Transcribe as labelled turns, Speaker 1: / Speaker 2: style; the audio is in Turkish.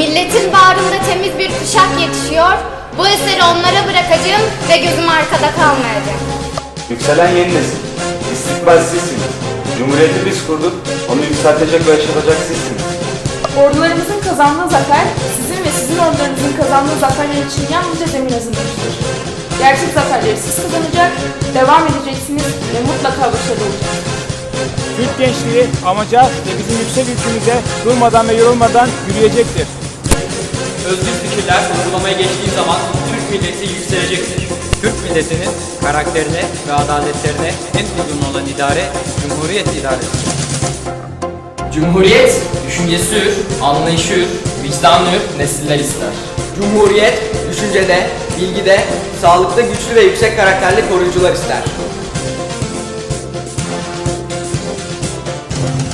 Speaker 1: Milletin bağrında temiz bir kuşak yetişiyor. Bu eseri onlara bırakacağım ve gözüm arkada kalmayacak.
Speaker 2: Yükselen yeni nesil. İstikbal sizsiniz. Cumhuriyeti biz kurduk. Onu yükseltecek ve yaşatacak sizsiniz.
Speaker 3: Ordularımızın kazandığı zafer, sizin ve sizin ordularınızın kazandığı zaferler için yalnızca zemin hazırlamıştır. Gerçek zaferleri siz kazanacak, devam edeceksiniz ve mutlaka başarılı olacaksınız.
Speaker 4: Türk gençliği amaca ve bizim yüksek ülkemize durmadan ve yorulmadan yürüyecektir.
Speaker 5: Özgür fikirler uygulamaya geçtiği zaman Türk milleti yükselecektir.
Speaker 6: Türk milletinin karakterine ve adaletlerine en uygun olan idare, Cumhuriyet idaresidir.
Speaker 5: Cumhuriyet, düşüncesi hür, anlayışı hür, vicdanlı hür nesiller ister.
Speaker 7: Cumhuriyet, düşüncede, bilgide, sağlıkta güçlü ve yüksek karakterli koruyucular ister.